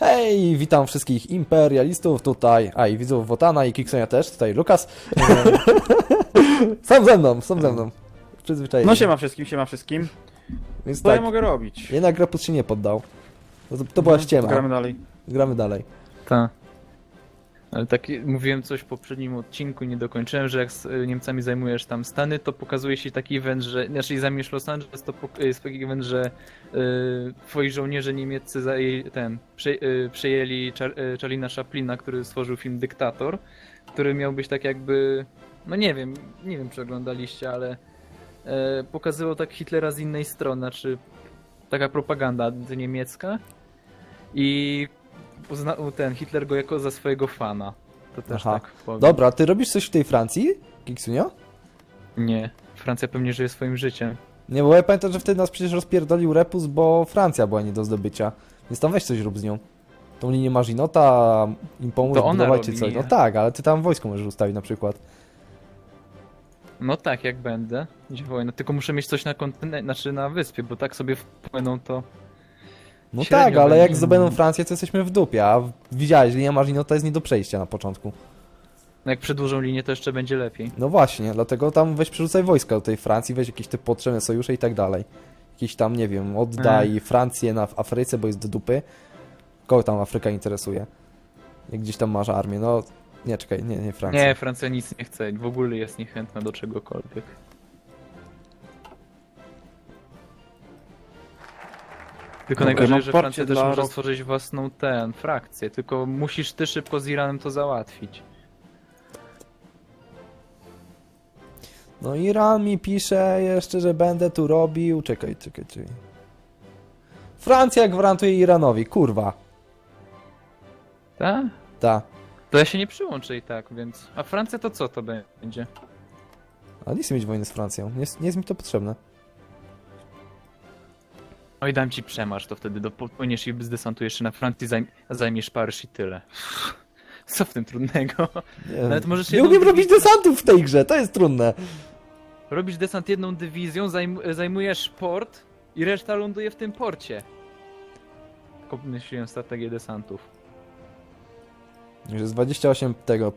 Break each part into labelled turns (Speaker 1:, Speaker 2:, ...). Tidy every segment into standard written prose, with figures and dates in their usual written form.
Speaker 1: Hej, witam wszystkich imperialistów tutaj, i widzów Wotana i Kiksonia też, tutaj Lukas. Są ze mną. Przyzwyczajeni.
Speaker 2: No siema wszystkim.
Speaker 1: Więc
Speaker 2: Co
Speaker 1: tak,
Speaker 2: ja mogę robić?
Speaker 1: jednak Grapus się nie poddał. To była ściema.
Speaker 2: Gramy dalej.
Speaker 1: Gramy dalej.
Speaker 3: Tak. Ale tak mówiłem coś w poprzednim odcinku, nie dokończyłem, że jak z Niemcami zajmujesz tam Stany, to pokazuje się taki event, że znaczy zajmiesz Los Angeles, to jest taki event, że twoi żołnierze niemieccy przejęli Charlie'a Chaplina, który stworzył film Dyktator, który miał być tak jakby, no nie wiem czy oglądaliście, ale pokazywał tak Hitlera z innej strony, znaczy taka propaganda niemiecka i uznał Hitler go jako za swojego fana. To też
Speaker 1: Aha.
Speaker 3: tak powiem.
Speaker 1: Dobra, ty robisz coś w tej Francji, Kiksunio?
Speaker 3: Nie. Francja pewnie żyje swoim życiem.
Speaker 1: Nie, bo ja pamiętam, że wtedy nas przecież rozpierdolił Repus, bo Francja była nie do zdobycia. Więc tam weź coś rób z nią. Tą linię Maginota, im pomóc
Speaker 3: To ona
Speaker 1: budować czy
Speaker 3: robi,
Speaker 1: coś.
Speaker 3: nie?
Speaker 1: No tak, ale ty tam wojsko możesz ustawić na przykład.
Speaker 3: No tak, jak będę. Gdzie wojna. Tylko muszę mieć coś na kontynencie, znaczy na wyspie, bo tak sobie wpłyną to...
Speaker 1: No
Speaker 3: Średnio
Speaker 1: tak, ale jak
Speaker 3: będzie.
Speaker 1: zdobędą Francję, to jesteśmy w dupie, a widziałeś, linia Maginota jest nie do przejścia na początku.
Speaker 3: No jak przedłużą linię, to jeszcze będzie lepiej.
Speaker 1: No właśnie, dlatego tam weź przerzucaj wojska do tej Francji, weź jakieś te potrzebne sojusze i tak dalej. Jakieś tam, nie wiem, oddaj Francję w Afryce, bo jest do dupy. Kogo tam Afryka interesuje? Jak gdzieś tam masz armię, no... Nie, czekaj, nie Francja.
Speaker 3: Nie, Francja nic nie chce. W ogóle jest niechętna do czegokolwiek. Tylko
Speaker 2: Okej,
Speaker 3: najgorzej,
Speaker 2: mam
Speaker 3: że
Speaker 2: parcie
Speaker 3: Francja też
Speaker 2: dla
Speaker 3: może
Speaker 2: rok-
Speaker 3: stworzyć własną frakcję, tylko musisz ty szybko z Iranem to załatwić.
Speaker 1: No Iran mi pisze jeszcze, że będę tu robił... Czekaj. Francja gwarantuje Iranowi, kurwa.
Speaker 3: Tak?
Speaker 1: Ta.
Speaker 3: To ja się nie przyłączę i tak, więc... A Francja to co to będzie?
Speaker 1: Ale nie chcę mieć wojny z Francją, nie jest mi to potrzebne.
Speaker 3: Oj, dam ci przemarsz, to wtedy dopłyniesz i zdesantujesz się na Francję, zajmiesz Paryż i tyle. Co w tym trudnego?
Speaker 1: Nie,
Speaker 3: Nawet możesz
Speaker 1: nie
Speaker 3: jedną
Speaker 1: umiem robić
Speaker 3: dywizję-
Speaker 1: desantów w tej grze, to jest trudne.
Speaker 3: Robisz desant jedną dywizją, zajmujesz port i reszta ląduje w tym porcie. Tylko myśliłem strategię desantów.
Speaker 1: Już jest 28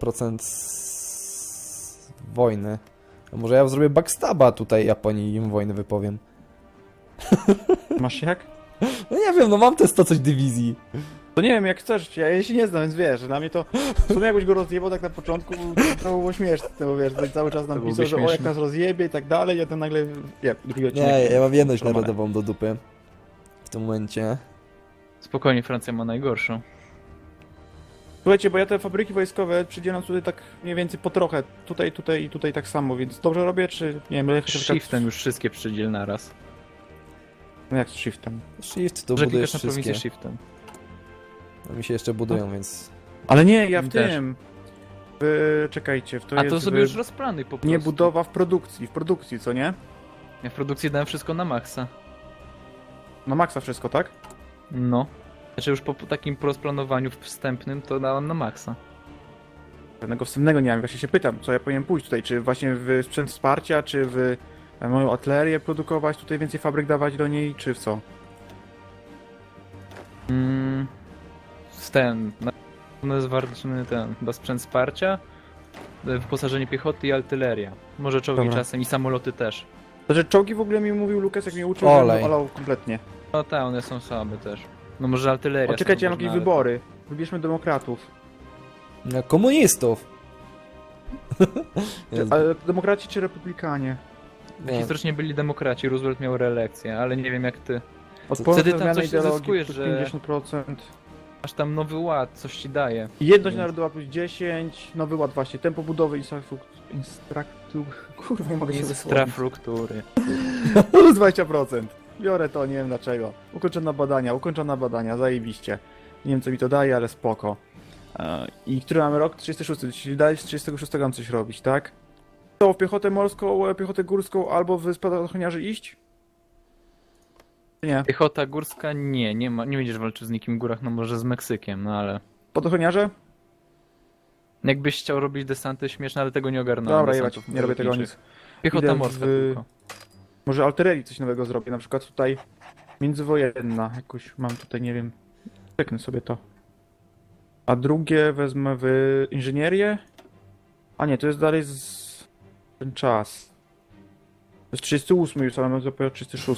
Speaker 1: wojny. A może ja zrobię backstaba tutaj Japonii i im wojnę wypowiem.
Speaker 2: Masz jak?
Speaker 1: No nie wiem, no mam te 100 coś dywizji.
Speaker 2: To nie wiem jak chcesz, ja się nie znam, więc wiesz, dla mnie to... W sumie jakbyś go rozjebał tak na początku, to było śmieszne, bo wiesz, to cały czas nam
Speaker 3: To
Speaker 2: pisał,
Speaker 3: byłoby
Speaker 2: że o jak
Speaker 3: śmieszne.
Speaker 2: nas rozjebie i tak dalej, a ten nagle... drugi odcinek.
Speaker 1: Nie, ja mam jedność
Speaker 2: Promane.
Speaker 1: narodową do dupy. W tym momencie.
Speaker 3: Spokojnie, Francja ma najgorszą.
Speaker 2: Słuchajcie, bo ja te fabryki wojskowe przydzielam tutaj tak mniej więcej po trochę. Tutaj i tutaj tak samo, więc dobrze robię, czy... Nie wiem, lecę
Speaker 3: Shiftem już wszystkie przydziel naraz.
Speaker 2: No jak z shiftem?
Speaker 1: Shift to
Speaker 3: Że
Speaker 1: budujesz
Speaker 3: klikasz na
Speaker 1: wszystkie.
Speaker 3: prowincję shiftem.
Speaker 1: No mi się jeszcze budują, więc...
Speaker 2: Ale nie, ja w
Speaker 3: Mi też.
Speaker 2: tym... czekajcie, w to
Speaker 3: A
Speaker 2: jest...
Speaker 3: to sobie już rozplanuj po prostu.
Speaker 2: Nie budowa w produkcji, co nie?
Speaker 3: Ja w produkcji dałem wszystko na maksa.
Speaker 2: Na maksa wszystko, tak?
Speaker 3: No. Znaczy już po takim rozplanowaniu wstępnym to dałem na maksa.
Speaker 2: Żadnego wstępnego nie mam, właśnie się pytam, co ja powinienem pójść tutaj, czy właśnie w sprzęt wsparcia, czy w moją artylerię produkować, tutaj więcej fabryk dawać do niej, czy w co?
Speaker 3: No jest ważny chyba sprzęt wsparcia, wyposażenie piechoty i artyleria. Może czołgi
Speaker 2: Dobra.
Speaker 3: czasem i samoloty też.
Speaker 2: Znaczy czołgi w ogóle mi mówił Lukas, jak mnie uczył,
Speaker 1: Olej.
Speaker 2: że olał kompletnie.
Speaker 3: No tak, one są słabe też. No może artyleria.
Speaker 2: O, czekajcie, ja mam
Speaker 3: można,
Speaker 2: jakieś
Speaker 3: ale-
Speaker 2: wybory. Wybierzmy demokratów.
Speaker 1: No, komunistów! Jezu,
Speaker 2: Ale demokraci czy republikanie?
Speaker 1: nie,
Speaker 3: Historycznie byli demokraci, Roosevelt miał reelekcję, ale nie wiem jak ty.
Speaker 2: Odporne
Speaker 3: Wtedy
Speaker 2: na
Speaker 3: tam
Speaker 2: zmianę
Speaker 3: coś
Speaker 2: ideologii
Speaker 3: zyskujesz,
Speaker 2: plus
Speaker 3: że-
Speaker 2: 50%.
Speaker 3: Masz tam nowy ład, coś ci daje.
Speaker 2: Jedność
Speaker 3: Więc-
Speaker 2: narodowa plus 10, nowy ład właśnie, tempo budowy, kurwa, nie mogę się wysłowić.
Speaker 3: Infrastruktury.
Speaker 2: Plus 20%. Biorę to, nie wiem dlaczego. Ukończone badania, zajebiście. Nie wiem co mi to daje, ale spoko. I który mamy rok? 36, czyli dalej z 36 mam coś robić, tak? To w piechotę morską, piechotę górską albo w spadochroniarzy iść? Czy nie?
Speaker 3: Piechota górska nie będziesz walczył z nikim w górach, no może z Meksykiem, no ale...
Speaker 2: Spadochroniarze?
Speaker 3: Jakbyś chciał robić desanty śmieszne, ale tego nie ogarnąłem.
Speaker 2: Dobra,
Speaker 3: desantów
Speaker 2: jebać, nie robię tego
Speaker 3: lotniczych.
Speaker 2: nic.
Speaker 3: Piechota
Speaker 2: Idę
Speaker 3: morska
Speaker 2: w-
Speaker 3: tylko.
Speaker 2: Może artylerii coś nowego zrobię, na przykład tutaj międzywojenna, jakoś mam tutaj, nie wiem, czeknę sobie to. A drugie wezmę w inżynierię. A nie, to jest dalej ten czas. To jest 38 już, ale mamy dopiero 36.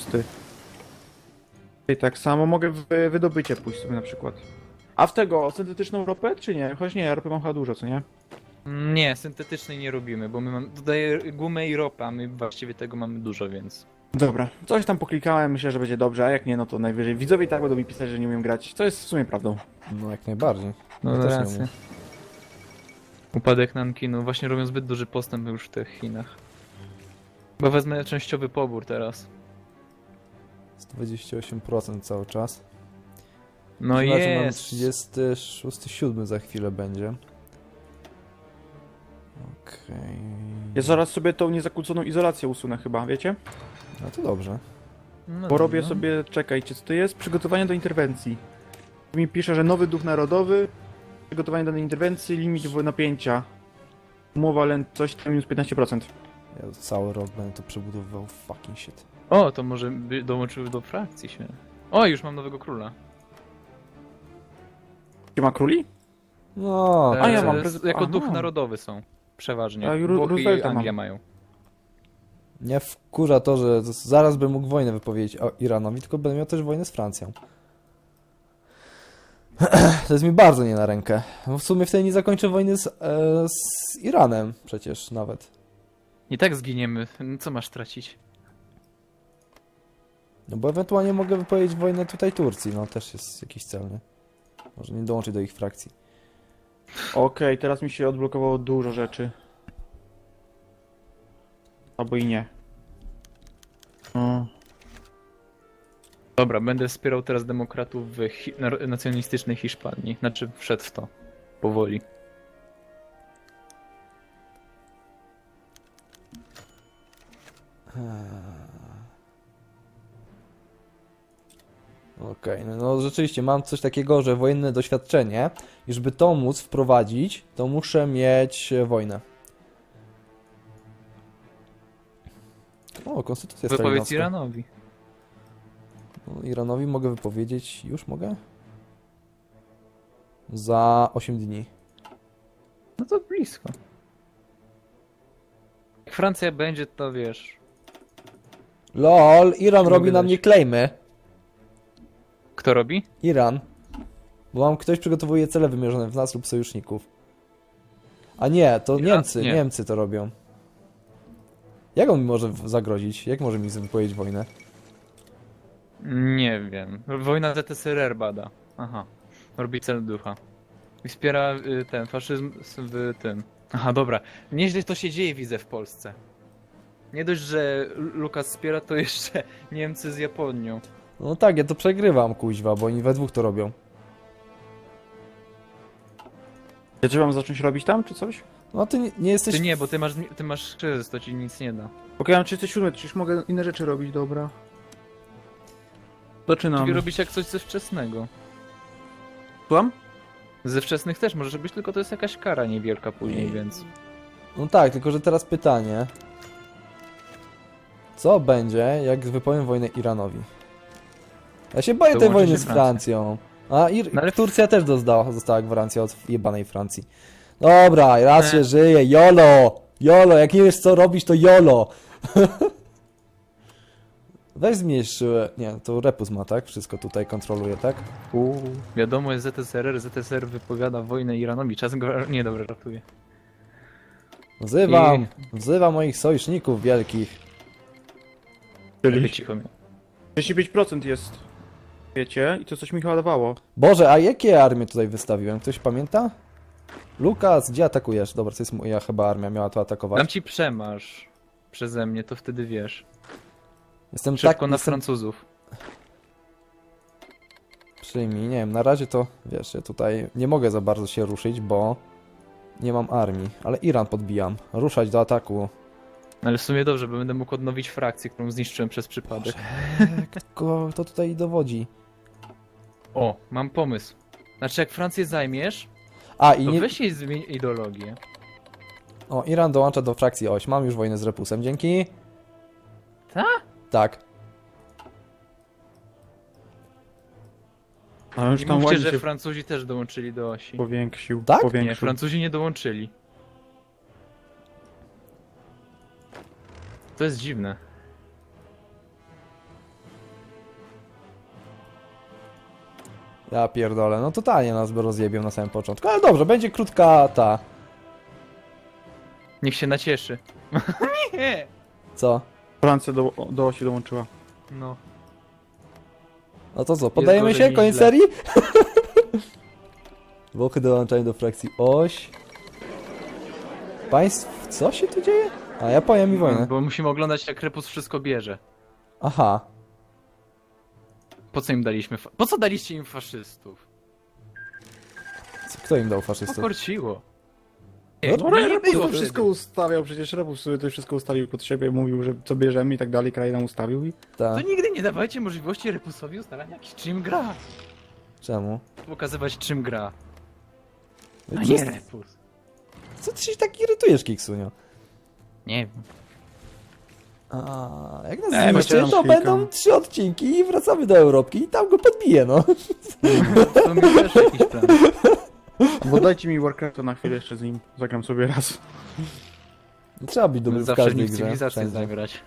Speaker 2: I tak samo mogę w wydobycie pójść sobie na przykład. A w tego, syntetyczną ropę, czy nie? Choć nie, ropy mam chyba dużo, co nie?
Speaker 3: Nie, syntetycznej nie robimy, bo my mamy tutaj gumę i ropę, a my właściwie tego mamy dużo, więc...
Speaker 2: Dobra, coś tam poklikałem, myślę, że będzie dobrze, a jak nie, no to najwyżej widzowie i tak będą mi pisać, że nie umiem grać, co jest w sumie prawdą.
Speaker 1: No jak najbardziej.
Speaker 3: No
Speaker 1: Ja też nie
Speaker 3: racja.
Speaker 1: umiem.
Speaker 3: Upadek Nankinu, właśnie robią zbyt duży postęp już w tych Chinach. Bo wezmę częściowy pobór teraz.
Speaker 1: 128% cały czas.
Speaker 3: No
Speaker 1: Zobaczmy, mamy
Speaker 3: jest!
Speaker 1: 36,7 za chwilę będzie. Okej.
Speaker 2: Ja zaraz sobie tą niezakłóconą izolację usunę chyba, wiecie?
Speaker 1: No to dobrze.
Speaker 3: No
Speaker 2: Bo robię
Speaker 3: dobra.
Speaker 2: sobie, czekajcie, co to jest? Przygotowanie do interwencji. Tu mi pisze, że nowy duch narodowy, przygotowanie do interwencji, limit napięcia. Umowa coś tam minus 15%.
Speaker 1: Ja cały rok będę to przebudowywał. Fucking shit.
Speaker 3: O, to może by dołączyły do frakcji się. O, już mam nowego króla.
Speaker 2: Czy ma króli?
Speaker 1: No,
Speaker 2: A ja
Speaker 3: E,
Speaker 2: mam
Speaker 3: Jako
Speaker 2: aha.
Speaker 3: duch narodowy są. Przeważnie.
Speaker 2: A i
Speaker 3: Włochy i
Speaker 2: Roosevelta
Speaker 3: Anglia
Speaker 2: mam.
Speaker 3: mają.
Speaker 1: mnie wkurza to, że zaraz bym mógł wojnę wypowiedzieć Iranowi, tylko będę miał też wojnę z Francją. To jest mi bardzo nie na rękę. Bo w sumie wtedy nie zakończę wojny z Iranem przecież nawet.
Speaker 3: I tak zginiemy. Co masz tracić?
Speaker 1: No bo ewentualnie mogę wypowiedzieć wojnę tutaj Turcji, no też jest jakiś cel, nie? Może nie dołączyć do ich frakcji.
Speaker 2: Okej, teraz mi się odblokowało dużo rzeczy. Albo i nie. O.
Speaker 3: Dobra, będę wspierał teraz demokratów w nacjonalistycznej Hiszpanii. Znaczy, wszedł w to. Powoli.
Speaker 1: Okej, no rzeczywiście mam coś takiego, że wojenne doświadczenie, i żeby to móc wprowadzić, to muszę mieć wojnę. O, konstytucja
Speaker 3: Wypowiedz
Speaker 1: stalinowska.
Speaker 3: Iranowi.
Speaker 1: No, Iranowi mogę wypowiedzieć, już mogę? Za 8 dni.
Speaker 3: No to blisko. Jak Francja będzie, to wiesz.
Speaker 1: LOL, Iran
Speaker 3: Nie
Speaker 1: robi
Speaker 3: mogę
Speaker 1: na
Speaker 3: dać.
Speaker 1: mnie klejmy.
Speaker 3: Kto robi?
Speaker 1: Iran. Bo mam ktoś przygotowuje cele wymierzone w nas lub sojuszników. A nie, to
Speaker 3: Iran?
Speaker 1: Niemcy,
Speaker 3: Nie.
Speaker 1: Niemcy to robią. Jak on mi może zagrozić? Jak może mi wypowiedzieć wojnę?
Speaker 3: Nie wiem. Wojna ZSRR bada. Aha. Robi cel ducha. I wspiera ten faszyzm w tym. Aha, dobra. Nieźle to się dzieje, widzę w Polsce. Nie dość, że Lukas wspiera, to jeszcze Niemcy z Japonią.
Speaker 1: No tak, ja to przegrywam, kuźwa, bo oni we dwóch to robią.
Speaker 2: Ja czy mam zacząć robić tam, czy coś?
Speaker 1: No ty nie jesteś...
Speaker 3: Ty nie, bo ty masz kryzys, to ci nic nie da.
Speaker 2: Okej, mam 37, to już mogę inne rzeczy robić, dobra. Zaczynam.
Speaker 3: Czyli robić jak coś ze wczesnego.
Speaker 2: Słucham?
Speaker 3: Ze wczesnych też może być, tylko to jest jakaś kara niewielka później, więc...
Speaker 1: No tak, tylko że teraz pytanie. Co będzie, jak wypowiem wojnę Iranowi? Ja się boję tej
Speaker 3: Dołączy
Speaker 1: wojny
Speaker 3: się
Speaker 1: z
Speaker 3: Francja.
Speaker 1: Francją. A
Speaker 3: No ale-
Speaker 1: Turcja też została gwarancja od jebanej Francji. Dobra, raz
Speaker 3: Nie.
Speaker 1: się żyje, YOLO! YOLO, jak nie wiesz co robić, to YOLO! Weź zmniejsz... Nie, to Repus ma, tak? Wszystko tutaj kontroluje, tak?
Speaker 3: Wiadomo jest ZSRR, ZSRR wypowiada wojnę Iranowi, czas go... Nie, dobra, ratuje.
Speaker 1: Wzywam moich sojuszników wielkich.
Speaker 3: Czyli cicho mnie.
Speaker 2: 35% jest. Wiecie? I to coś mi chyba dawało.
Speaker 1: Boże, a jakie armie tutaj wystawiłem? Ktoś pamięta? Lukas, gdzie atakujesz? Dobra, to jest moja chyba armia, miała to atakować.
Speaker 3: Dam ci przemarsz przeze mnie, to wtedy wiesz.
Speaker 1: Jestem
Speaker 3: Szybko
Speaker 1: tak...
Speaker 3: na
Speaker 1: Jestem...
Speaker 3: Francuzów.
Speaker 1: Przyjmij, nie wiem, na razie to, wiesz, ja tutaj nie mogę za bardzo się ruszyć, bo nie mam armii, ale Iran podbijam. Ruszać do ataku.
Speaker 3: Ale w sumie dobrze, bo będę mógł odnowić frakcję, którą zniszczyłem przez przypadek.
Speaker 1: Kogo to tutaj dowodzi?
Speaker 3: O, mam pomysł. Znaczy jak Francję zajmiesz,
Speaker 1: A, i
Speaker 3: to
Speaker 1: nie...
Speaker 3: weź jej zmień ideologię.
Speaker 1: O, Iran dołącza do frakcji oś. Mam już wojnę z Repusem, dzięki.
Speaker 3: Ta?
Speaker 1: Tak.
Speaker 2: Ale już
Speaker 3: Nie
Speaker 2: tam
Speaker 3: mówcie,
Speaker 2: ładnie
Speaker 3: że
Speaker 2: się
Speaker 3: Francuzi też dołączyli do osi.
Speaker 2: powiększył.
Speaker 1: Tak?
Speaker 3: Nie,
Speaker 2: Powiększył.
Speaker 3: Francuzi nie dołączyli. To jest dziwne.
Speaker 1: Ja pierdolę, no totalnie nas by rozjebią na samym początku. Ale dobrze, będzie krótka ta...
Speaker 3: Niech się nacieszy. Nie!
Speaker 1: Co?
Speaker 2: Francja do osi dołączyła.
Speaker 3: No.
Speaker 1: No to co, podajemy
Speaker 3: gorzej
Speaker 1: się?
Speaker 3: niż
Speaker 1: Koniec
Speaker 3: źle.
Speaker 1: serii? Włochy dołączają do frakcji oś. Państw, co się tu dzieje? A, Japonia mi wojnę.
Speaker 3: Bo musimy oglądać, jak Repus wszystko bierze.
Speaker 1: Aha.
Speaker 3: Po co im daliśmy po co daliście im faszystów?
Speaker 1: Kto im dał faszystów?
Speaker 3: Pokorciło.
Speaker 1: No,
Speaker 3: No, nie
Speaker 2: Rebus
Speaker 3: było
Speaker 2: to wszystko
Speaker 3: wtedy.
Speaker 2: ustawiał, przecież Rebus sobie to wszystko ustawił pod siebie, mówił, że co bierzemy i tak dalej, kraj nam ustawił i...
Speaker 1: Ta.
Speaker 3: To nigdy nie dawajcie możliwości Repusowi ustalania jakiś czym gra.
Speaker 1: Czemu?
Speaker 3: Pokazywać czym gra. A
Speaker 1: Przez-
Speaker 3: nie Repus.
Speaker 1: Co ty się tak irytujesz, Kiksunio?
Speaker 3: Nie wiem.
Speaker 1: A, jak nas
Speaker 2: Nie,
Speaker 1: zniszczy,
Speaker 2: myślałem,
Speaker 1: to
Speaker 2: kilka.
Speaker 1: będą 3 odcinki i wracamy do Europki i tam go podbiję, no.
Speaker 3: To mi też jakiś plan.
Speaker 2: Bo dajcie mi Warcrafta na chwilę jeszcze z nim, zagram sobie raz.
Speaker 1: Nie trzeba być dobrym w
Speaker 3: Zawsze
Speaker 1: każdej
Speaker 3: nim w
Speaker 1: grze.
Speaker 3: cywilizację
Speaker 1: wszędzie.
Speaker 3: zagrać.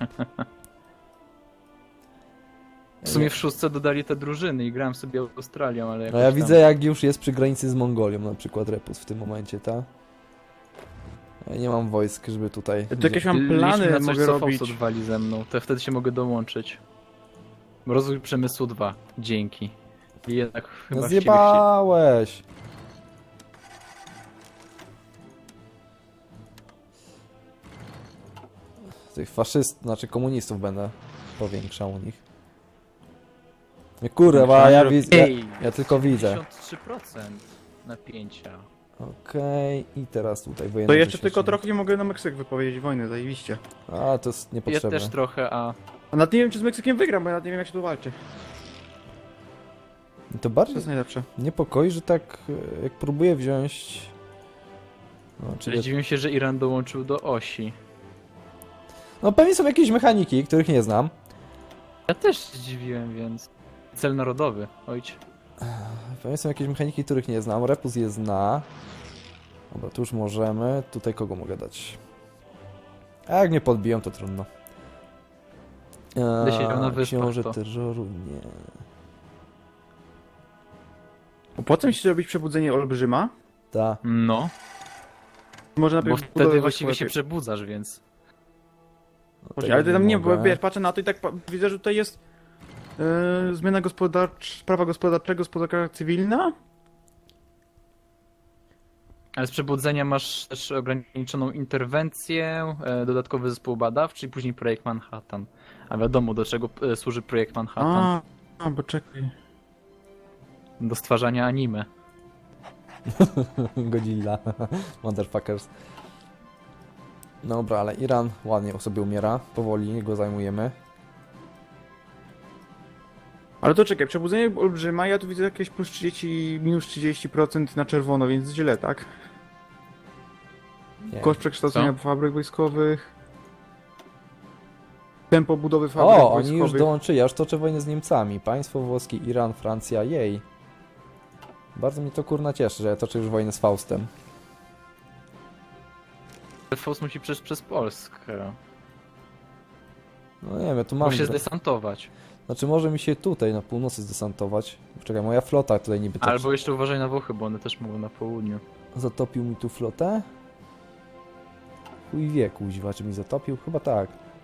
Speaker 3: W sumie w szóstce dodali te drużyny i grałem sobie Australią, ale
Speaker 1: No
Speaker 3: jakoś
Speaker 1: ja
Speaker 3: tam...
Speaker 1: widzę, jak już jest przy granicy z Mongolią, na przykład Repus w tym momencie, ta? Ja nie mam wojsk, żeby tutaj...
Speaker 2: To jakieś mam
Speaker 3: Liczmy
Speaker 2: plany,
Speaker 3: na coś,
Speaker 2: mogę
Speaker 3: co
Speaker 2: robić.
Speaker 3: Fausto wali ze mną, to wtedy się mogę dołączyć. Rozwój przemysłu 2. Dzięki. I jednak chyba
Speaker 1: No
Speaker 3: w ciebie
Speaker 1: zjebałeś! Tych znaczy komunistów będę powiększał u nich. Nie kurwa, ja widzę,
Speaker 3: Ej,
Speaker 1: ja tylko widzę.
Speaker 3: 53% napięcia.
Speaker 1: Okej, i teraz tutaj wojenny
Speaker 2: To jeszcze
Speaker 1: doświadczenie.
Speaker 2: tylko trochę nie mogę na Meksyk wypowiedzieć wojny, zajebiście.
Speaker 1: A, to jest
Speaker 3: Ja
Speaker 1: niepotrzebne.
Speaker 3: też trochę, a...
Speaker 2: A nawet nie wiem, czy z Meksykiem wygram, bo ja nawet nie wiem, jak się tu walczy.
Speaker 1: To
Speaker 2: To
Speaker 1: bardziej
Speaker 2: jest najlepsze.
Speaker 1: niepokoi, że tak jak próbuję wziąć... No,
Speaker 3: Czyli
Speaker 1: czyli...
Speaker 3: dziwię się, że Iran dołączył do osi.
Speaker 1: no pewnie są jakieś mechaniki, których nie znam.
Speaker 3: Ja też się zdziwiłem, więc... Cel narodowy, ojcze.
Speaker 1: Pewnie są jakieś mechaniki, których nie znam. Repus je zna. Dobra, tu już możemy. Tutaj kogo mogę dać? A jak mnie podbiją, to trudno.
Speaker 3: Będę siedział na wyspach,
Speaker 1: Książę
Speaker 3: to.
Speaker 1: terroru, nie.
Speaker 2: Opłaca mi się zrobić przebudzenie Olbrzyma?
Speaker 1: Ta.
Speaker 3: No,
Speaker 2: Może
Speaker 3: bo
Speaker 2: najpierw
Speaker 3: wtedy
Speaker 2: budować
Speaker 3: właściwie się
Speaker 2: lepiej.
Speaker 3: przebudzasz, więc...
Speaker 1: No,
Speaker 2: Boże,
Speaker 1: tego
Speaker 2: ale tam nie, bo
Speaker 1: mogę.
Speaker 2: wiesz, patrzę na to i tak widzę, że tutaj jest zmiana prawa gospodarczego, gospodarka cywilna.
Speaker 3: Ale z przebudzenia masz też ograniczoną interwencję, dodatkowy zespół badawczy i później projekt Manhattan. A wiadomo, do czego służy projekt Manhattan?
Speaker 2: Bo czekaj.
Speaker 3: Do stwarzania anime.
Speaker 1: Godzilla. Motherfuckers. Dobra, ale Iran ładnie sobie umiera. Powoli go zajmujemy.
Speaker 2: Ale to czekaj, przebudzenie Olbrzyma, ja tu widzę jakieś plus 30, minus 30% na czerwono, więc źle, tak?
Speaker 1: Nie.
Speaker 2: Koszt przekształcenia fabryk wojskowych. Tempo budowy fabryk
Speaker 1: O, oni
Speaker 2: wojskowych.
Speaker 1: już dołączyli. Ja już toczę wojnę z Niemcami. Państwo włoskie, Iran, Francja, jej. Bardzo mnie to kurna cieszy, że ja toczę już wojnę z Faustem.
Speaker 3: Faust musi przejść przez Polskę.
Speaker 1: No nie wiem, ja tu mam...
Speaker 3: Musi się zdesantować.
Speaker 1: Znaczy może mi się tutaj na północy zdesantować. Czekaj, moja flota tutaj niby tak
Speaker 3: Albo jeszcze uważaj na Włochy, bo one też mogą na południu.
Speaker 1: zatopił mi tu flotę. Chuj wie, kuźwa, czy mi zatopił? Chyba tak.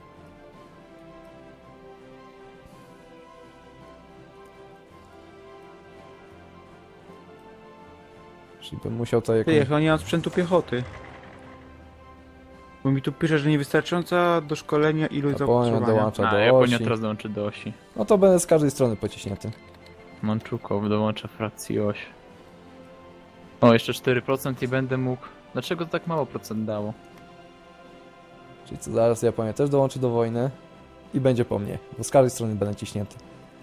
Speaker 1: Czyli bym musiał to jakoś...
Speaker 2: Ty, ja nie mam sprzętu piechoty. Bo mi tu pisze, że niewystarczająca do szkolenia ilość
Speaker 1: Japonia
Speaker 2: zapotrzebowania.
Speaker 1: dołącza
Speaker 3: A,
Speaker 1: do
Speaker 3: Japonia
Speaker 1: osi.
Speaker 3: teraz dołączy do osi.
Speaker 1: No to będę z każdej strony pociśnięty.
Speaker 3: Manczukow dołącza frakcji oś. O, jeszcze 4% i będę mógł... Dlaczego to tak mało procent dało?
Speaker 1: Czyli co, zaraz Japonia też dołączy do wojny. I będzie po mnie, bo z każdej strony będę ciśnięty.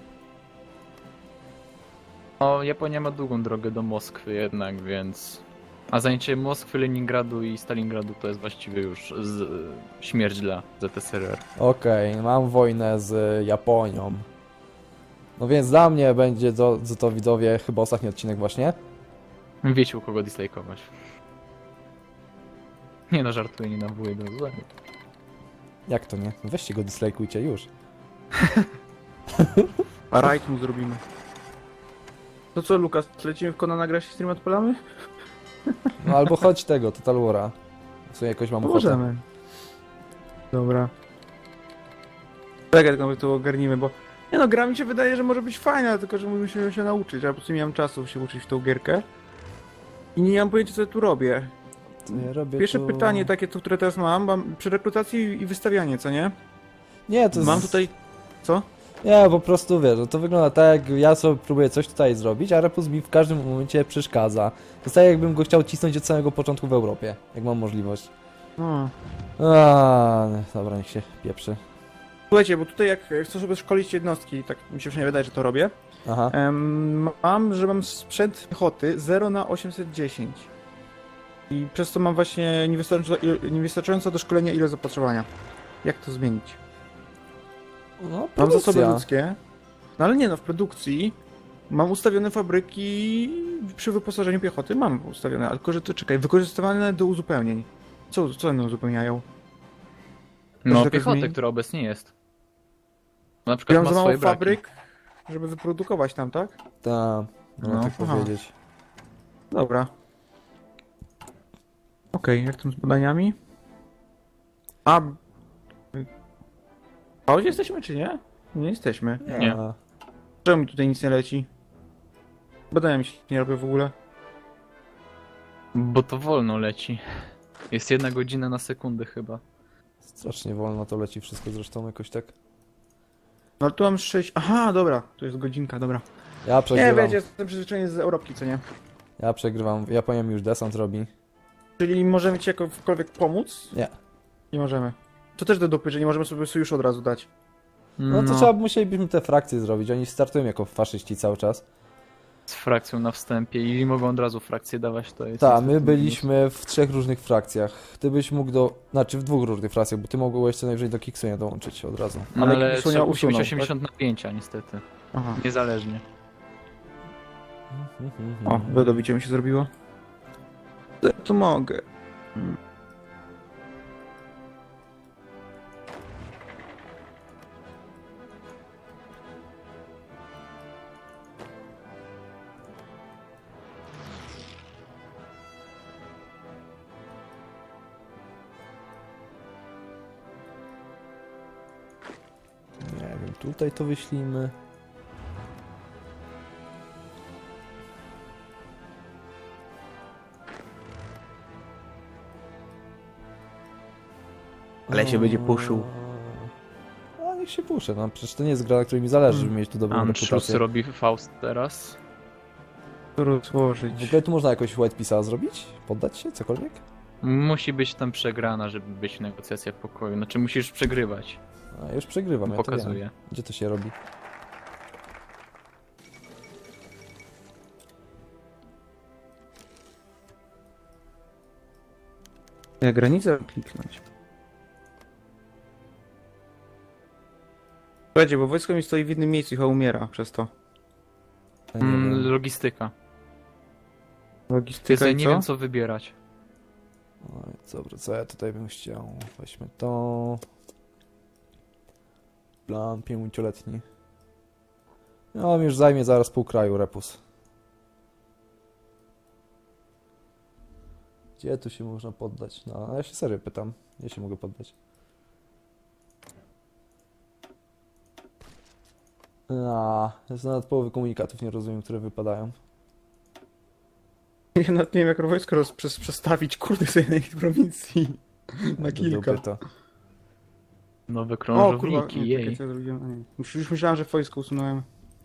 Speaker 3: O, Japonia ma długą drogę do Moskwy jednak, więc... A zajęcie Moskwy, Leningradu i Stalingradu to jest właściwie już śmierć dla ZSRR.
Speaker 1: Okej, mam wojnę z Japonią. No więc dla mnie będzie to widzowie chyba ostatni odcinek właśnie.
Speaker 3: Wiecie, u kogo dislike'ować. Nie no, żartuję, nie nawołuję do złego.
Speaker 1: Jak to nie? Weźcie go, dislajkujcie już.
Speaker 2: A rajd mu zrobimy. To co, Lukas, lecimy w Konana grać i stream odpalamy?
Speaker 1: No albo chodź tego, Total War'a. W sumie jakoś mam ochotę.
Speaker 2: Możemy. Dobra. Czekaj, tylko to ogarnimy, bo... Nie no, gra mi się wydaje, że może być fajna, tylko że musimy się nauczyć, a po prostu nie mam czasu się uczyć w tą gierkę. I nie mam pojęcia, co ja tu robię.
Speaker 1: To ja robię
Speaker 2: Pierwsze
Speaker 1: tu...
Speaker 2: pytanie takie, to, które teraz mam przy rekrutacji i wystawianie, co nie?
Speaker 1: Nie, to
Speaker 2: Mam tutaj... Co?
Speaker 1: Nie, po prostu wiesz, no to wygląda tak, jak ja sobie próbuję coś tutaj zrobić, a Repus mi w każdym momencie przeszkadza. To jest tak, jakbym go chciał cisnąć od samego początku w Europie, jak mam możliwość.
Speaker 2: No.
Speaker 1: Dobra, niech się pieprzy.
Speaker 2: Słuchajcie, bo tutaj jak chcę sobie szkolić jednostki, tak mi się przynajmniej wydaje, że to robię,
Speaker 1: Aha.
Speaker 2: mam sprzęt piechoty 0 na 810. I przez to mam właśnie niewystarczająco do szkolenia ile zapotrzebowania. Jak to zmienić?
Speaker 1: No,
Speaker 2: Mam
Speaker 1: produkcja.
Speaker 2: zasoby ludzkie, no ale nie no, w produkcji mam ustawione fabryki przy wyposażeniu piechoty, mam ustawione, ale tylko że to czekaj, wykorzystywane do uzupełnień. Co one uzupełniają?
Speaker 3: No,
Speaker 2: jakaś
Speaker 3: piechotę,
Speaker 2: zmieni-
Speaker 3: która obecnie jest. Na
Speaker 2: Ja
Speaker 3: przykład
Speaker 2: mam
Speaker 3: ma
Speaker 2: za mało
Speaker 3: swoje braki.
Speaker 2: fabryk, żeby wyprodukować tam, tak?
Speaker 1: Tak, no
Speaker 2: No,
Speaker 1: tak
Speaker 2: aha.
Speaker 1: powiedzieć.
Speaker 2: Dobra. Okej, jak tam z badaniami? A gdzie jesteśmy, czy nie? Nie jesteśmy.
Speaker 3: Nie.
Speaker 1: A,
Speaker 2: Czemu mi tutaj nic nie leci? Badania mi się nie robią w ogóle.
Speaker 3: Bo to wolno leci. Jest 1 godzina na sekundę chyba.
Speaker 1: strasznie wolno to leci wszystko zresztą jakoś tak.
Speaker 2: No ale tu mam 6. Aha, dobra, tu jest godzinka, dobra.
Speaker 1: Ja
Speaker 2: Nie,
Speaker 1: przegrywam,
Speaker 2: wiecie, jestem przyzwyczajony z Europki, co nie?
Speaker 1: ja przegrywam. Japonia mi już desant robi.
Speaker 2: Czyli możemy ci jakkolwiek pomóc?
Speaker 1: Nie.
Speaker 2: Nie możemy. To też do dupy, że nie możemy sobie sojusz od razu dać.
Speaker 1: No to trzeba, musielibyśmy te frakcje zrobić. Oni startują jako faszyści cały czas.
Speaker 3: Z frakcją na wstępie i mogą od razu frakcję dawać, to jest...
Speaker 1: Tak,
Speaker 3: niestety
Speaker 1: my
Speaker 3: minus.
Speaker 1: byliśmy w 3 różnych frakcjach. Ty byś mógł znaczy w 2 różnych frakcjach, bo ty mogłeś co najwyżej do Kiksunia dołączyć od razu.
Speaker 3: No,
Speaker 2: Ale
Speaker 3: ale
Speaker 2: Kiksunia
Speaker 3: trzeba musi być
Speaker 2: usunął,
Speaker 3: 80 napięcia niestety.
Speaker 2: Aha.
Speaker 3: Niezależnie.
Speaker 2: O, wydobicie mi się zrobiło. To mogę.
Speaker 1: Nie wiem, tutaj to wyślijmy.
Speaker 2: Ale się będzie puszył.
Speaker 1: A niech się puszę, no przecież to nie jest gra, na której mi zależy, żeby mieć tu dobrą
Speaker 3: Anschluss
Speaker 1: reputację.
Speaker 3: robi Faust teraz.
Speaker 2: To rozłożyć.
Speaker 1: W ogóle tu można jakoś White Peace'a zrobić? Poddać się? Cokolwiek?
Speaker 3: Musi być tam przegrana, żeby być negocjacja w pokoju. Znaczy musisz przegrywać.
Speaker 1: A, już przegrywam, ja to wiem.
Speaker 3: Pokazuje.
Speaker 1: Gdzie to się robi?
Speaker 2: Ja granicę kliknąć. Słuchajcie, bo wojsko mi stoi w innym miejscu i chyba umiera przez to.
Speaker 1: Ja nie wiem.
Speaker 3: Logistyka.
Speaker 2: Logistyka
Speaker 3: Ja
Speaker 2: i
Speaker 3: nie
Speaker 2: co?
Speaker 3: wiem co wybierać.
Speaker 1: Oj, dobra, co ja tutaj bym chciał? Weźmy to. Plan 5-letni. No, mi już zajmie zaraz pół kraju, Repus. Gdzie tu się można poddać? No, ja się serio pytam. Gdzie się mogę poddać? Jest nawet połowy komunikatów, nie rozumiem, które wypadają.
Speaker 2: Ja nawet nie wiem jak wojsko przestawić, kurde, sobie na ich prowincji. Na
Speaker 1: Do
Speaker 2: kilka.
Speaker 1: dupy to.
Speaker 3: Nowe
Speaker 2: O kurwa,
Speaker 3: krążowniki,
Speaker 2: nie, czekaj,
Speaker 3: jej.
Speaker 2: co ja zrobiłem? A, nie. Już myślałem, że wojsko usunąłem.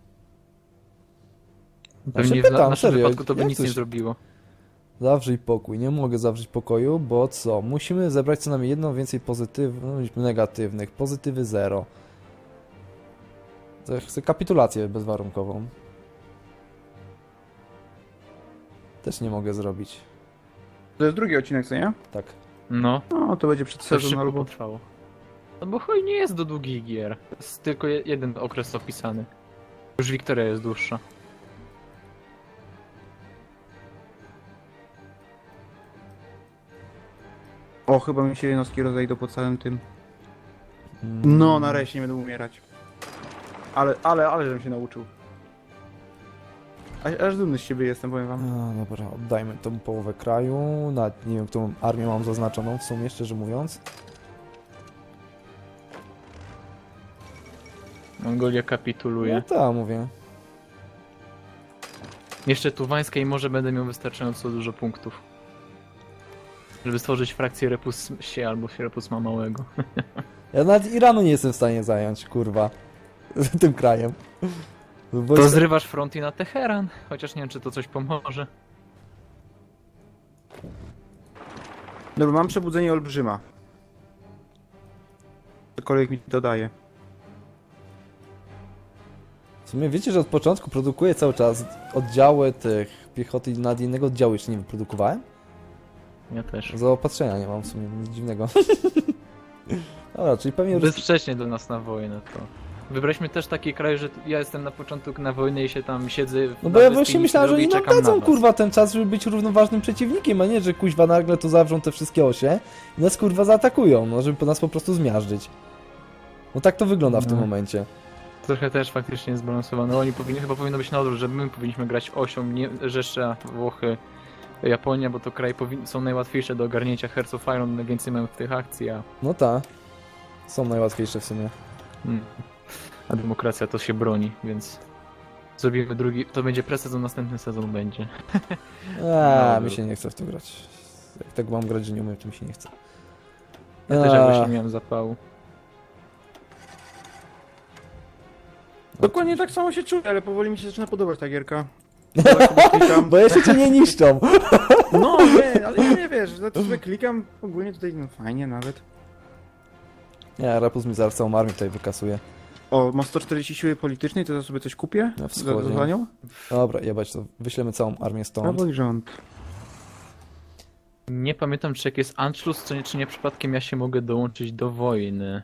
Speaker 3: Pewnie
Speaker 1: się
Speaker 3: w
Speaker 1: pytam,
Speaker 3: naszym
Speaker 1: serio,
Speaker 3: wypadku to by
Speaker 1: jak
Speaker 3: nic
Speaker 1: coś-
Speaker 3: nie zrobiło.
Speaker 1: Zawrzyj pokój. Nie mogę zawrzeć pokoju, bo co? Musimy zebrać co najmniej jedną więcej pozytywnych, negatywnych. Pozytywy 0. To ja chcę kapitulację bezwarunkową. Też nie mogę zrobić.
Speaker 2: To jest drugi odcinek, co nie?
Speaker 1: Tak.
Speaker 3: No,
Speaker 2: No, to będzie przed
Speaker 3: to
Speaker 2: sezon
Speaker 3: szybko
Speaker 2: albo...
Speaker 3: potrwało. No bo chuj nie jest do długich gier. Jest tylko jeden okres opisany. Już Wiktoria jest dłuższa.
Speaker 2: O, chyba mi się jednostki rozejdą po całym tym. No, nareszcie nie będę umierać. Ale żebym się nauczył. Aż dumny z siebie jestem, powiem wam.
Speaker 1: No, dobra, oddajmy tą połowę kraju. Nawet nie wiem, którą armię mam zaznaczoną w sumie, szczerze mówiąc.
Speaker 3: Mongolia
Speaker 1: No
Speaker 3: kapituluje.
Speaker 1: tak, mówię.
Speaker 3: Jeszcze Tuwańska i może będę miał wystarczająco dużo punktów. Żeby stworzyć frakcję Repussie albo Repusma Małego.
Speaker 1: Ja nawet Iranu nie jestem w stanie zająć, kurwa. Tym krajem. Bo
Speaker 3: To
Speaker 1: jest-
Speaker 3: zrywasz front i na Teheran. Chociaż nie wiem, czy to coś pomoże.
Speaker 2: Dobra, mam przebudzenie olbrzyma. Cokolwiek mi to daje.
Speaker 1: W sumie wiecie, że od początku produkuję cały czas oddziały tych piechoty i nad innego oddziału jeszcze nie wyprodukowałem?
Speaker 3: Ja też.
Speaker 1: Zaopatrzenia nie mam w sumie, nic dziwnego. Dobra, czyli pewnie...
Speaker 3: Zbyt wcześnie do nas na wojnę to. Wybraliśmy też taki kraj, że ja jestem na początku na wojnę i się tam siedzę.
Speaker 1: No
Speaker 3: na
Speaker 1: bo ja
Speaker 3: wyspie
Speaker 1: właśnie
Speaker 3: nic
Speaker 1: myślałem,
Speaker 3: nie
Speaker 1: że
Speaker 3: robię
Speaker 1: oni
Speaker 3: i
Speaker 1: nam
Speaker 3: czekam na
Speaker 1: dadzą
Speaker 3: was.
Speaker 1: kurwa ten czas, żeby być równoważnym przeciwnikiem, a nie, że kuźwa nagle tu zawrzą te wszystkie osie i nas kurwa zaatakują, no żeby nas po prostu zmiażdżyć. No tak to wygląda w tym
Speaker 3: No.
Speaker 1: momencie.
Speaker 3: Trochę też faktycznie jest zbalansowane. Oni chyba powinno być na odwrót, że my powinniśmy grać osią, nie, Rzesza, Włochy, Japonia, bo to kraje są najłatwiejsze do ogarnięcia. Hearts of Iron najwięcej mają w tych akcji,
Speaker 1: No tak. Są najłatwiejsze w sumie.
Speaker 3: a demokracja to się broni, więc zrobimy drugi, to będzie presezon, następny sezon będzie.
Speaker 1: Eee,
Speaker 3: No,
Speaker 1: mi się nie chce w to grać. Jak tak mam grać, że nie umiem, to mi się nie chce.
Speaker 3: Ja też jakoś
Speaker 1: Eee,
Speaker 3: nie miałem zapału.
Speaker 2: Dokładnie tak samo się czuję, ale powoli mi się zaczyna podobać ta gierka. Tak sobie klikam.
Speaker 1: Bo jeszcze cię nie niszczą.
Speaker 2: No nie, ale ja nie wiesz, za to sobie klikam, ogólnie tutaj no fajnie nawet.
Speaker 1: Nie, Rapus mi zaraz całą armię tutaj wykasuje.
Speaker 2: O, ma 140 siły politycznej, to ja sobie coś kupię
Speaker 1: Na wschodzie.
Speaker 2: za nią?
Speaker 1: Dobra, jebać to. Wyślemy całą armię stąd.
Speaker 2: Prawo i rząd.
Speaker 3: Nie pamiętam, czy jak jest Anschluss, czy nie przypadkiem ja się mogę dołączyć do wojny.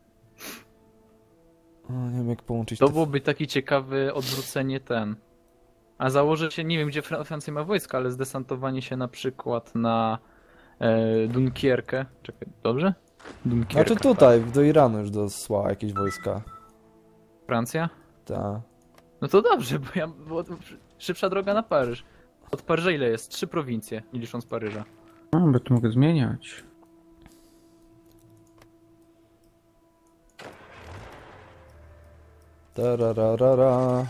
Speaker 1: O, nie wiem jak połączyć
Speaker 3: To
Speaker 1: te...
Speaker 3: byłoby taki ciekawy odwrócenie ten. A założę się, nie wiem gdzie Francja ma wojska, ale zdesantowanie się na przykład na Dunkierkę. Czekaj, dobrze? Dunkierka.
Speaker 1: Znaczy tutaj, do Iranu już dosłała jakieś wojska.
Speaker 3: Francja?
Speaker 1: Ta.
Speaker 3: No to dobrze, bo szybsza droga na Paryż. Od Paryża ile jest? 3 prowincje, nie licząc Paryża.
Speaker 2: A, bo tu mogę zmieniać.
Speaker 1: Tarararara.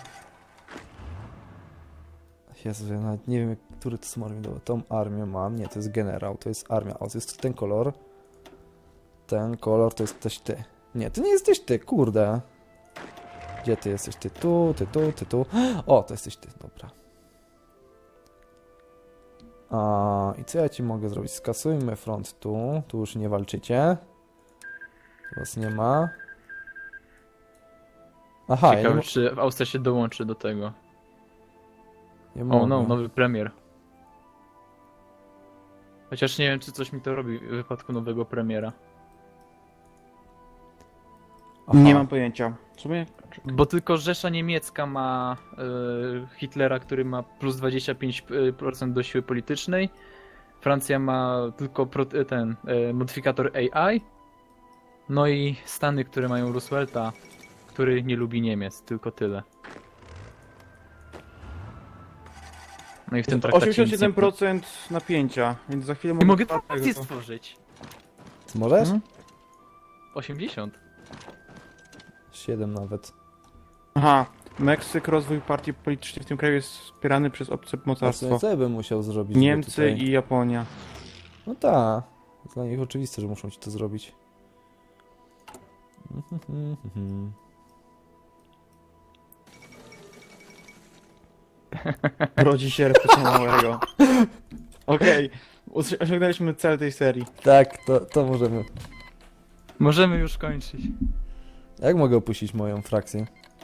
Speaker 1: Jezu, ja nawet nie wiem, który to są armię. Dobra, tą armię mam. Nie, to jest generał, to jest armia. O, to jest ten kolor. Ten kolor to jesteś ty. Nie, to nie jesteś ty, kurde. Gdzie ty jesteś? Ty tu, ty tu, ty tu. O, to jesteś ty, dobra. I co ja ci mogę zrobić? Skasujmy front tu. Tu już nie walczycie. Tu was nie ma. Aha, ja nie,
Speaker 3: Ciekawe, czy Austria się dołączy do tego.
Speaker 1: nie
Speaker 3: O,
Speaker 1: mogę.
Speaker 3: no, nowy premier. Chociaż nie wiem, czy coś mi to robi w wypadku nowego premiera.
Speaker 1: Aha.
Speaker 2: Nie mam pojęcia. W sumie?
Speaker 3: Bo tylko Rzesza Niemiecka ma Hitlera, który ma plus 25% do siły politycznej. Francja ma tylko ten modyfikator AI. No i Stany, które mają Roosevelta, który nie lubi Niemiec, tylko tyle. No i w tym traktacie nic nie...
Speaker 2: 87% napięcia, więc za chwilę
Speaker 3: Nie mogę
Speaker 2: dwa
Speaker 3: frakcję
Speaker 2: tego.
Speaker 3: stworzyć.
Speaker 1: Ty możesz?
Speaker 3: Mhm. 80.
Speaker 1: 7 nawet.
Speaker 2: Aha, Meksyk, rozwój partii politycznej w tym kraju jest wspierany przez obce
Speaker 1: A w
Speaker 2: mocarstwo.
Speaker 1: sumie co ja bym musiał zrobić? żeby
Speaker 2: Niemcy
Speaker 1: tutaj...
Speaker 2: i Japonia.
Speaker 1: No tak. Dla nich oczywiste, że muszą ci to zrobić.
Speaker 2: Rodzi się Repusma Małego. Okej, osiągnęliśmy cel tej serii.
Speaker 1: Tak, to możemy.
Speaker 3: Możemy już kończyć.
Speaker 1: Jak mogę opuścić moją frakcję?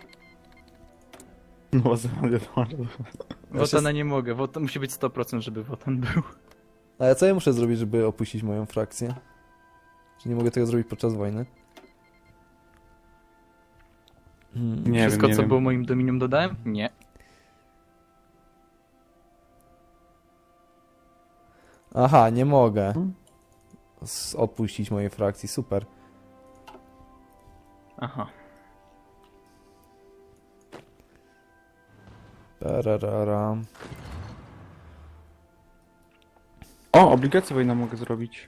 Speaker 2: No, zamiast
Speaker 3: Wotana nie mogę, Wotan musi być 100%, żeby Wotan był.
Speaker 1: Ale co ja muszę zrobić, żeby opuścić moją frakcję? Czy nie mogę tego zrobić podczas wojny?
Speaker 2: Nie
Speaker 3: Wszystko,
Speaker 2: wiem,
Speaker 3: co
Speaker 2: nie
Speaker 3: było
Speaker 2: wiem.
Speaker 3: moim dominium dodałem? Nie.
Speaker 1: Aha, nie mogę
Speaker 2: Hmm?
Speaker 1: odpuścić mojej frakcji, super.
Speaker 3: Aha.
Speaker 1: Pararara.
Speaker 2: O, obligację wojna mogę zrobić.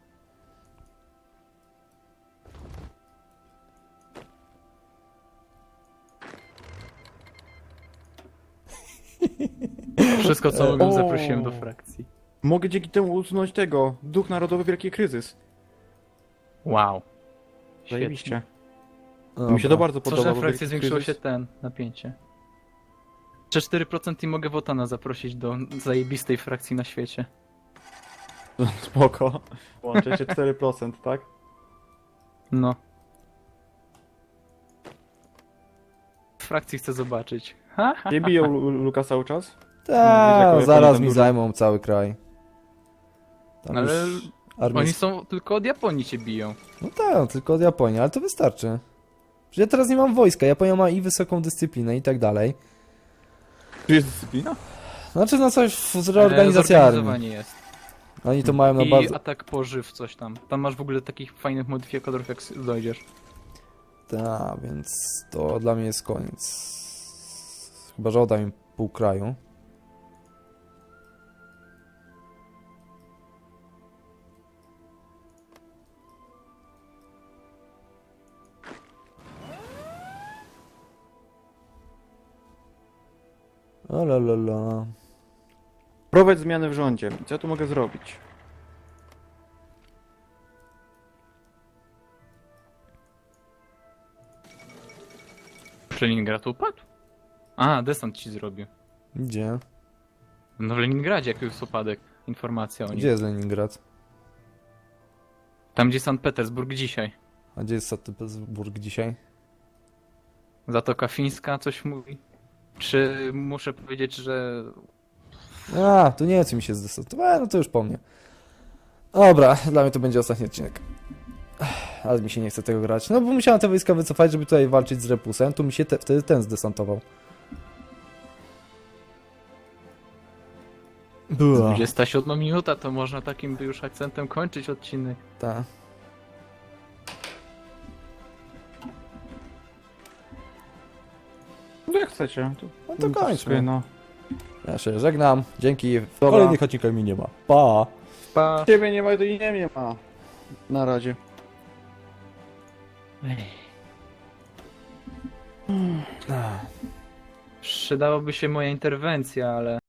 Speaker 3: Wszystko, co mogłem,
Speaker 2: O.
Speaker 3: zaprosiłem do frakcji.
Speaker 2: Mogę dzięki temu usunąć tego. Duch Narodowy Wielki Kryzys.
Speaker 3: Wow. Świetnie.
Speaker 2: Zajebiście.
Speaker 1: Dobra.
Speaker 2: Mi się to bardzo
Speaker 3: Co,
Speaker 2: podoba.
Speaker 3: że
Speaker 2: bo
Speaker 3: frakcji
Speaker 2: Wielki
Speaker 3: zwiększyło się
Speaker 2: Kryzys-
Speaker 3: napięcie. Jeszcze 4% i mogę Wotana zaprosić do zajebistej frakcji na świecie.
Speaker 2: Spoko. Łączy się 4%, tak?
Speaker 3: No. W frakcji chcę zobaczyć. Ha, ha.
Speaker 2: Nie biją Luka cały czas?
Speaker 1: Tak,
Speaker 2: Jaką
Speaker 1: zaraz
Speaker 2: tam
Speaker 1: mi
Speaker 2: dużo-
Speaker 1: zajmą cały kraj. Tam
Speaker 3: Ale
Speaker 1: już armia...
Speaker 3: oni są tylko od Japonii cię biją.
Speaker 1: No tak, tylko od Japonii, ale to wystarczy. Przecież ja teraz nie mam wojska, Japonia ma i wysoką dyscyplinę i tak dalej.
Speaker 2: Tu jest dyscyplina?
Speaker 1: Znaczy, no coś z reorganizacji armii.
Speaker 3: Zorganizowanie jest.
Speaker 1: Oni to mają na
Speaker 3: I
Speaker 1: bardzo...
Speaker 3: atak pożyw, coś tam. Tam masz w ogóle takich fajnych modyfikatorów, jak dojdziesz.
Speaker 1: Tak, więc to dla mnie jest koniec. Chyba, że odda mi pół kraju. O la la la.
Speaker 2: Prowadź zmiany w rządzie. Co ja tu mogę zrobić?
Speaker 3: Czy Leningrad upadł? A, desant ci zrobił.
Speaker 1: Gdzie?
Speaker 3: No w Leningradzie jak jest upadek. Informacja o nim.
Speaker 1: Gdzie jest Leningrad?
Speaker 3: Tam gdzie Sankt Petersburg dzisiaj.
Speaker 1: A gdzie jest Sankt Petersburg dzisiaj?
Speaker 3: Zatoka Fińska coś mówi? Czy muszę powiedzieć, że...
Speaker 1: A, tu nie, co mi się zdecydowałem, no to już po mnie. Dobra, dla mnie to będzie ostatni odcinek. Ale mi się nie chce tego grać. No bo musiałem te wojska wycofać, żeby tutaj walczyć z Repusem. Tu mi się wtedy ten zdesantował. Była.
Speaker 3: 27 minuta, to można takim by już akcentem kończyć odcinek.
Speaker 1: Ta.
Speaker 2: No jak chcecie.
Speaker 1: No to kończmy.
Speaker 2: sobie, no.
Speaker 1: Ja się żegnam. Dzięki. W
Speaker 2: Dobra.
Speaker 1: kolejnych odcinkach mi nie ma. Pa!
Speaker 3: Pa!
Speaker 2: Ciebie nie ma, to i nie ma. Na razie.
Speaker 3: Przydałoby się moja interwencja, ale...